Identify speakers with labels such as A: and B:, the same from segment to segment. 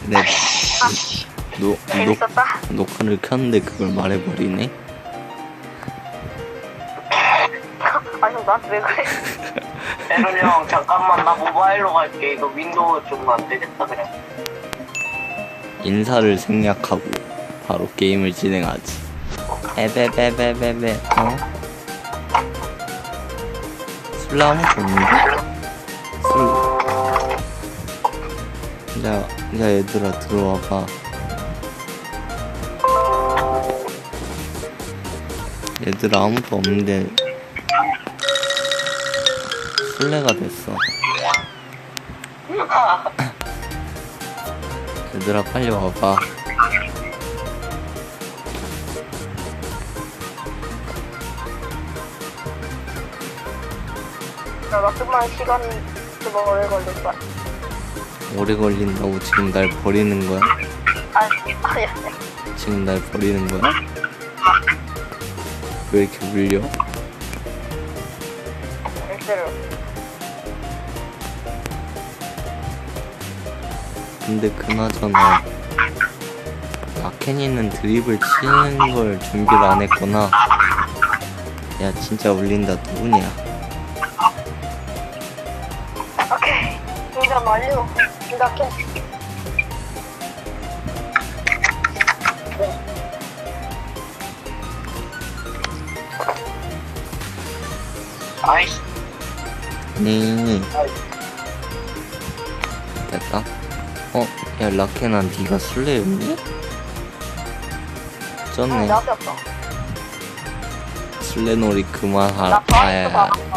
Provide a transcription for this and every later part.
A: 네.
B: 재밌었다.
A: 녹화를 켰는데 그걸 말해버리네.
B: 아니 나한테 왜 그래?
C: 에론 형 잠깐만 나 모바일로 갈게. 이거 윈도우 좀 안 되겠다 그래.
A: 인사를 생략하고 바로 게임을 진행하지. 에베베베베베. 술래 아무도 없는데? 야 얘들아 들어와봐. 얘들아 아무도 없는데 술래가 됐어. 얘들아 빨리 와봐.
B: 나 좀만 시간 좀 오래 걸릴 거야.
A: 오래 걸린다고 지금 날 버리는 거야?
B: 아니.
A: 지금 날 버리는 거야? 왜 이렇게 울려?
B: 실제로.
A: 근데 그나저나 라켄이는 드립을 치는 걸 준비를 안 했구나. 야 진짜 울린다. 누구냐?
B: 오케이. 인간 완료. 인간캔.
C: 아이씨.
A: 네. 됐다. 야 라켄아 니가 술래였니? 쩐네.
B: 나한테 없어.
A: 술래놀이
B: 나
A: 그만하라.
B: 바이스
A: 아야.
B: 나갔어.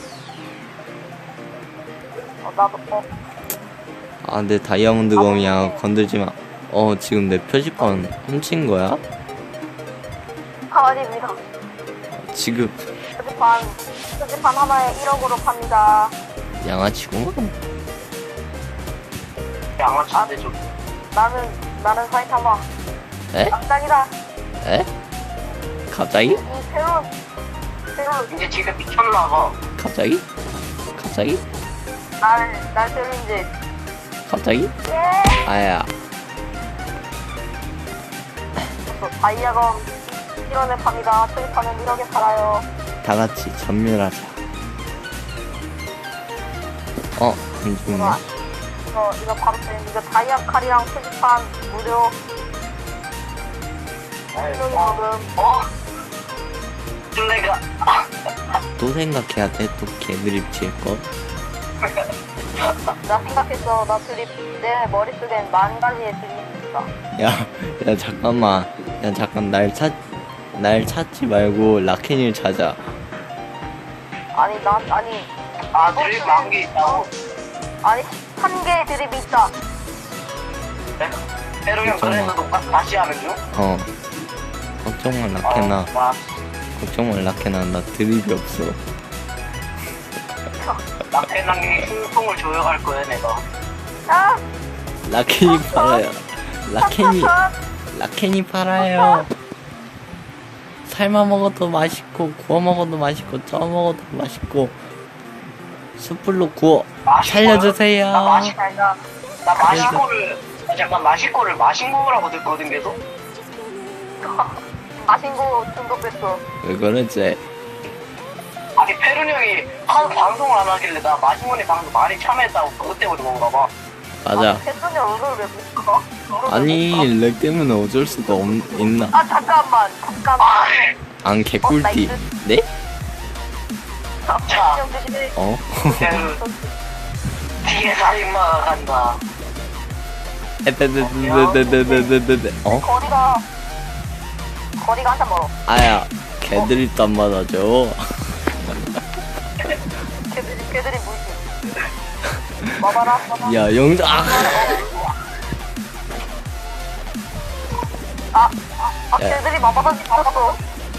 B: 나도
A: 아, 내 다이아몬드 검이야. 건들지 마. 지금 내 표지판 훔친 거야?
B: 아닙니다.
A: 지금
B: 표지판 하나에 1억으로 팝니다.
A: 양아치구만.
C: 양아치인데 좀.
B: 나는 사이타마.
A: 에?
B: 깜짝이다.
A: 에? 갑자기?
B: 이 새로운
C: 이제 지금 미쳤나봐.
A: 갑자기? 갑자기?
B: 날 때린지.
A: 갑자기?
B: 예.
A: 아야.
B: 다이아검 1원에 팝니다. 표지판은 1억에 팔아요.
A: 다 같이 전멸하자. 안 죽네.
B: 이거 바로 이거 다이아 칼이랑 표지판 무료.
C: 어? 술래가.
A: 또 생각해야 돼. 또 개드립 칠 거.
B: 나 생각했어. 나 드립 내 머릿속엔 만 가지의 드립이 있어.
A: 야 잠깐만. 야 잠깐 날 찾지 말고 라켄을 찾아.
B: 아니
C: 드립 만개 있다고?
B: 아니 1개의 드립이 있다.
C: 에론 형 그래서 녹화 다시 하는 중?
A: 걱정 마 라켄아. 걱정 마 라켄아. 나 드립이 없어.
C: 라펜랑이 숨통을 조여갈 거야 내가.
B: 아!
A: 라켄이 팔아요. 라켄이 팔아요. 삶아 먹어도 맛있고 구워 먹어도 맛있고 쪄 먹어도 맛있고 숯불로 구워 살려주세요.
C: 나 마시코를 잠깐 마시코를 마신 거라고 듣거든 계속.
B: 마신 거 중독됐어.
A: 왜 그러지?
C: 아니 페룬 형이 하도 방송을 안 하길래 나 마시모니 방송 많이 참여했다고 그것 때문에 그런가 봐.
A: 맞아.
B: 패턴이 얼굴을 왜 못 가?
A: 아니 렉 때문에 어쩔 수가 있나?
B: 아 잠깐만.
A: 안 개꿀띠. 네?
C: 자.
B: 조심해.
C: 뒤에 살인마가 간다.
B: 거리가 한참 멀어.
A: 아야 개드립도 안 맞아줘.
B: 걔들이 무시. 봐봐라.
A: 야 영자.
B: 걔들이 마바다 싶었어.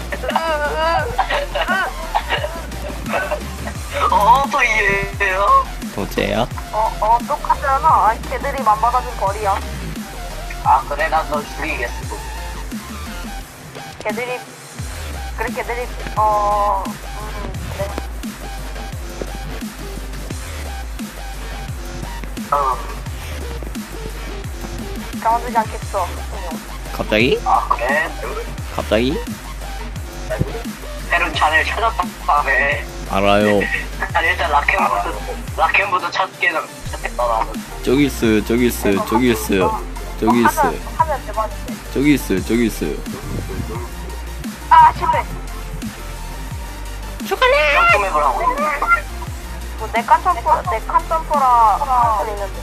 C: 또 이해해요?
A: 도제야?
B: 똑같잖아. 아니 걔들이 맘받아준 거리야.
C: 아 그래 난 널 죽이겠어.
B: 걔들이 그래 그래. 가만두지 않겠어.
A: 갑자기?
C: 아 그래?
A: 갑자기?
C: 페룬 자네를 찾았다네.
A: 알아요.
C: 난 일단 라켄부터 찾겠다 나는.
A: 저기 있어요. 저기 있어요. 저기 있어요. 저기 있어요.
B: 하면 대박인데.
A: 저기 있어요. 저기 있어요.
B: 아 실패.
C: 점프맵을 하고 있는.
B: 뭐 네칸 점퍼라 하는 있는데.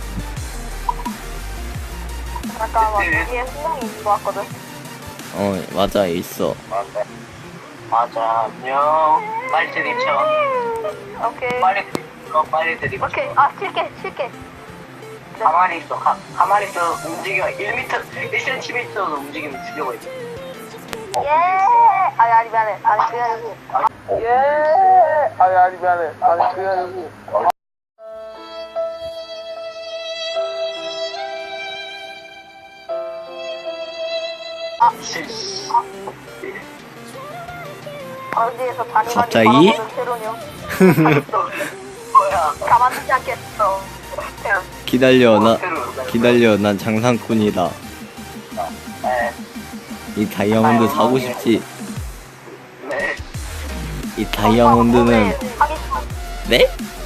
B: 잠깐만 여기에 수능이 있는 것 같거든.
A: 맞아 있어.
C: 맞아 안녕. 빨리 들이쳐.
B: 오케이.
C: 빨리 들이쳐.
B: 오케이. 아 칠게.
C: 가만히 있어. 가만히 있어. 움직여. 1cm도 움직이면 죽여버려.
B: 예. 아니 미안해. 아니 그게 아니고.
C: 아니 미안해. 아니 그게 아니고.
B: 어디에서 다니는
A: 갑자기?
B: 새로냐?
C: 뭐야?
B: 가만두지 않겠어.
A: 기다려. 난 장상꾼이다.
C: 네.
A: 이 다이아몬드 사고 싶지.
C: 네.
A: 이 다이아몬드는 네?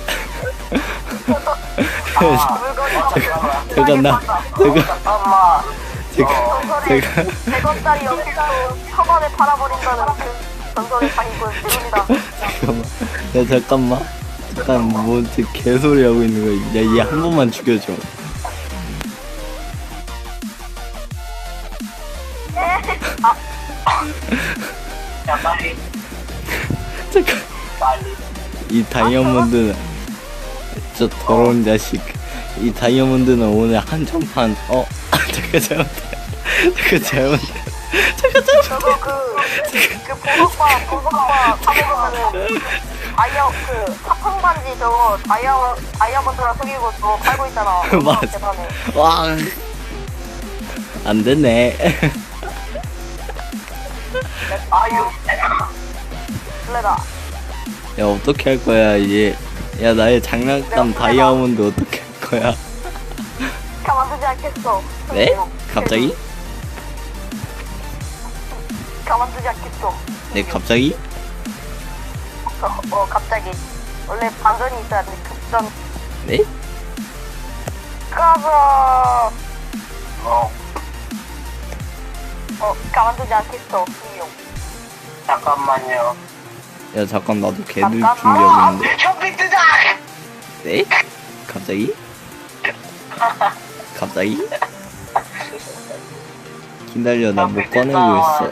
A: 잠깐만.
C: 엄마.
A: 제가
B: 100원짜리 영수증 1000원에 팔아버린다는 그 전설의 사기꾼 지금이다.
A: 잠깐 뭐 개소리 하고 있는 거야. 얘 한 번만 죽여줘.
C: 야 빨리.
A: 잠깐.
C: 빨리.
A: 이 다이아몬드는 저 더러운 자식. 이 다이아몬드는 오늘 한정판. 잠깐 잘못해.
B: 저거 그 보석바 사먹으면은 사탕 반지 저거 다이아몬드랑 속이고 저거 팔고 있잖아.
A: 맞아.
B: 대단해.
A: 와. 안 되네.
C: 아 이거.
B: 블레다.
A: 야 어떻게 할 거야 얘. 야 나의 장난감 다이아몬드 어떻게 할 거야?
B: 가만두지 않겠어.
A: 네? 갑자기?
B: 가만두지 않겠어.
A: 네 갑자기?
B: 갑자기. 원래 반전이 있어야 돼. 급전.
A: 네?
B: 가자. 가만두지 않겠어. 분명.
C: 잠깐만요.
A: 야 잠깐 나도 개들 준비하고 있는데.
C: 쇼핑 뜨자.
A: 네? 갑자기? 갑자기? 기다려 나 못 꺼내고 있어.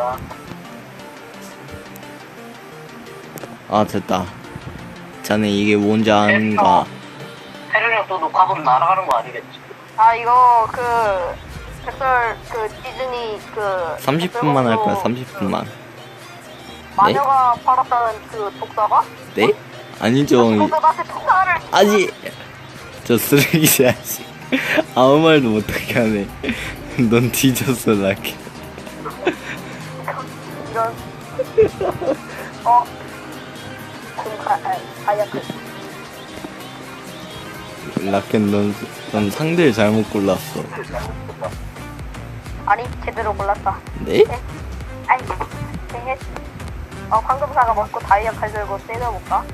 A: 아 됐다. 자네 이게 뭔지 아는가?
C: 페룬이 형 또 녹화본 날아가는 거 아니겠지?
B: 아 이거 백설 디즈니
A: 30분만 할 거야 30분만.
B: 마녀가 팔았다는 독사가?
A: 네? 아니죠.
B: 독사한테 독사를
A: 아니 저 쓰레기 자식. 아무 말도 못하게 하네. 넌 뒤졌어 라켓.
B: 이런 아야크
A: 라켓 넌 상대를 잘못 골랐어.
B: 아니 제대로 골랐다.
A: 네?
B: 아니 네. 황금사가 먹고 다이아 칼 들고 때려볼까?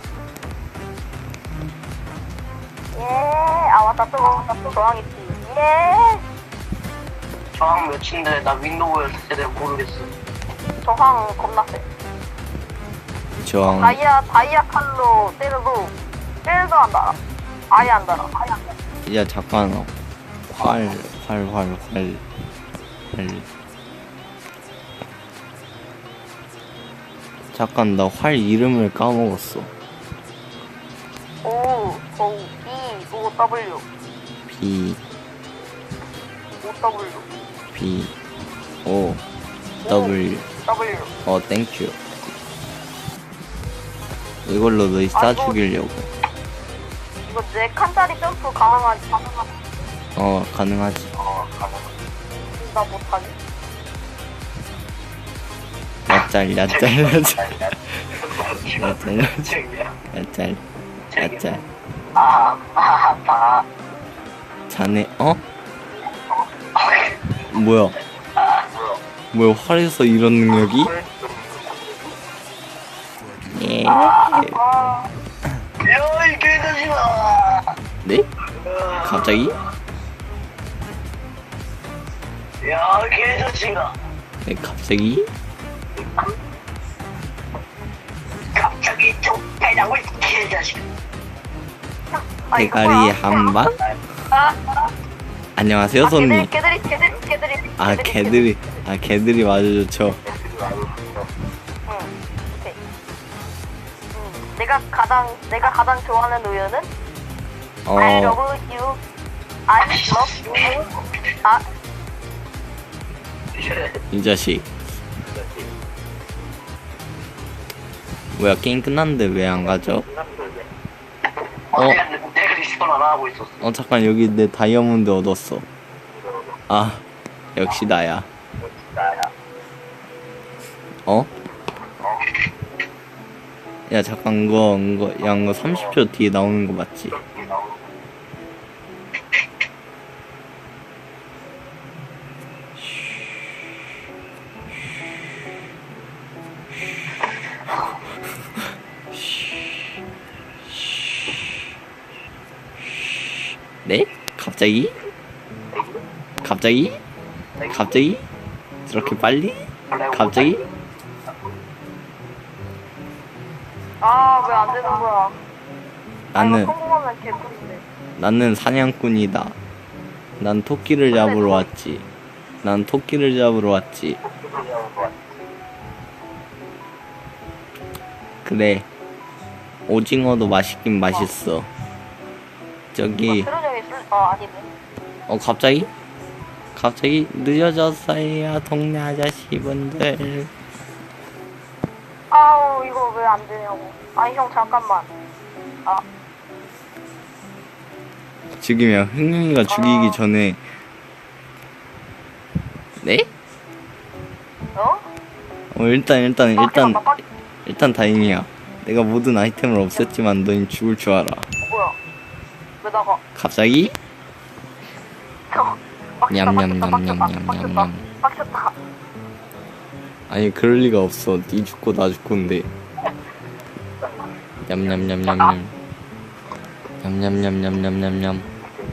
B: 예. 아 맞다 또 저항 있지. 예.
C: 저항 몇인데 나 윈도우에서 제대로 모르겠어.
B: 저항 겁나 세.
A: 저항.
B: 다이아 칼로 때려도 안 달아. 아예 안 달아.
A: 야 잠깐. 활. 잠깐 나 활 이름을 까먹었어.
B: O W
A: B O W. 땡큐. 이걸로 너희 싸 죽이려고.
B: 이거 4칸짜리 점프 가능하지?
A: 가능하지.
B: 나 못하지.
A: 야짤.
C: 아,
A: 자네 뭐야? 뭐야, 활에서 이런 능력이? 예.
C: 야이 개자식아.
A: 네? 갑자기?
C: 야 개자식아.
A: 네, 갑자기?
C: 갑자기 쫓겨나고 개자식.
A: 대가리 한 방? 안녕하세요, 손님.
B: 개들이.
A: 아, 개들이 맞아 좋죠.
B: 응, 오케이. 내가 가장 좋아하는 우유는 I love you. I love you. 아,
A: 이 자식. 뭐야, 게임 끝났는데 왜 안 가죠?
C: 내가 리스폰 안 하고 있었어.
A: 잠깐, 여기 내 다이아몬드 얻었어. 아, 역시 나야. 야, 잠깐, 이거 30초 뒤에 나오는 거 맞지? 네? 갑자기? 저렇게 빨리? 갑자기?
B: 아, 왜 안 되는 거야?
A: 나는
B: 성공하면 개꿀인데.
A: 나는 사냥꾼이다. 난 토끼를 잡으러 왔지. 그래. 오징어도 맛있긴 맛있어. 저기
B: 트로정이 아니네.
A: 갑자기 늦어졌어요, 동네 아저씨분들.
B: 아우, 이거 왜 안 되냐고. 아니, 형, 잠깐만. 아,
A: 지금이야, 흥룡이가 죽이기 전에. 네? 일단 다행이야. 내가 모든 아이템을 없앴지만 너희 죽을 줄 알아.
B: 뭐야? 왜 나가?
A: 갑자기?
B: 냠냠냠냠냠냠냠. 빡쳤다.
A: 아니, 그럴 리가 없어. 니 죽고 나 죽고인데. 냠냠냠냠냠. 냠냠냠냠냠냠냠.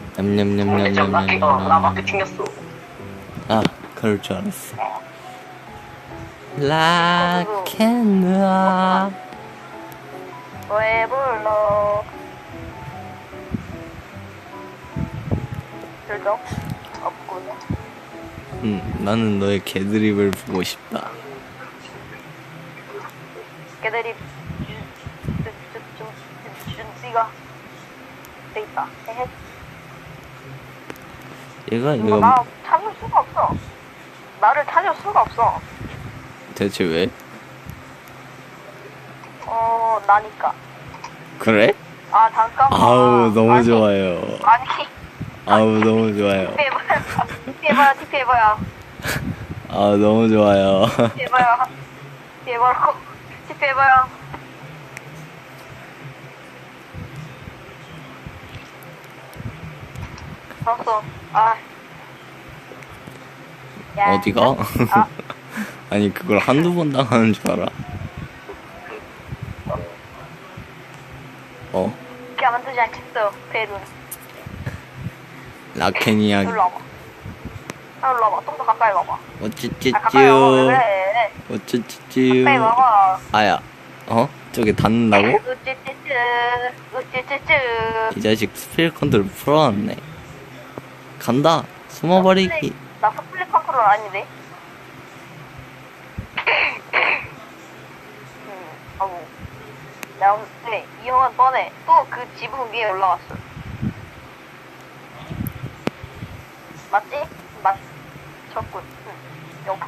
C: 나 마크 튕겼어.
A: 아, 그럴 줄 알았어. 락앤롤.
B: 왜 불러? 결정? 없군.
A: 나는 너의 개드립을 보고 싶다.
B: 걔들이 준씨가 돼 있다. 헤헤.
A: 얘가
B: 나 찾을 수가 없어. 나를 찾을 수가 없어.
A: 대체 왜?
B: 나니까.
A: 그래?
B: 아, 잠깐만.
A: 아우, 너무
B: 아니,
A: 좋아요.
B: 아니.
A: 아우, 너무 좋아요.
B: TP해봐요.
A: 아, 너무 좋아요.
B: TP해봐요. TP해봐요. 알았어. 아. 야.
A: 어디가?
B: 아.
A: 아니, 그걸 한두 번 당하는 줄 알아?
B: 가만두지 않겠어, 배는.
A: 라켄이야.
B: 일로 와봐. 일로 와봐. 좀 더 가까이 와봐.
A: 어찌찌쭈.
B: 가까이 와봐. 왜 그래?
A: 어찌찌쭈.
B: 가까이 와봐.
A: 아야. 저게 닿는다고?
B: 우쭈쭈쭈.
A: 이 자식 스피릿 컨트롤 풀어놨네. 간다. 숨어버리기.
B: 나 스플릿 컨트롤 아닌데? 아우. 야, 근데 이 형은 뻔해. 또 그 지붕 위에 올라왔어. 맞지? 맞췄군. 영.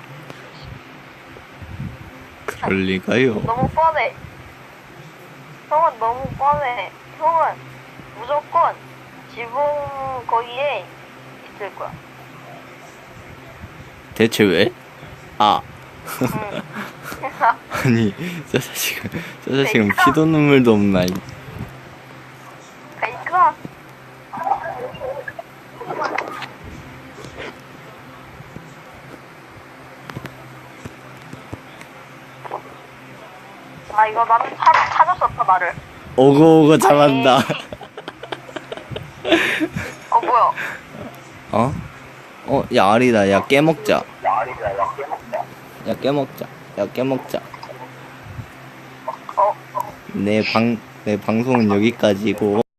A: 그럴 리가요.
B: 너무 뻔해. 형은 너무 뻔해. 형은 무조건 지붕 거기에 있을 거야.
A: 대체 왜? 아.
B: 응.
A: 아니, 저 자식은 피도 눈물도 없는 아이.
B: 페이크야. 아 이거 나는 찾았었다 나를.
A: 오고 잘한다.
B: 뭐야?
A: 어? 야 아리다. 야 깨먹자. 야 깨먹자. 야 깨먹자. 내 방송은 여기까지고.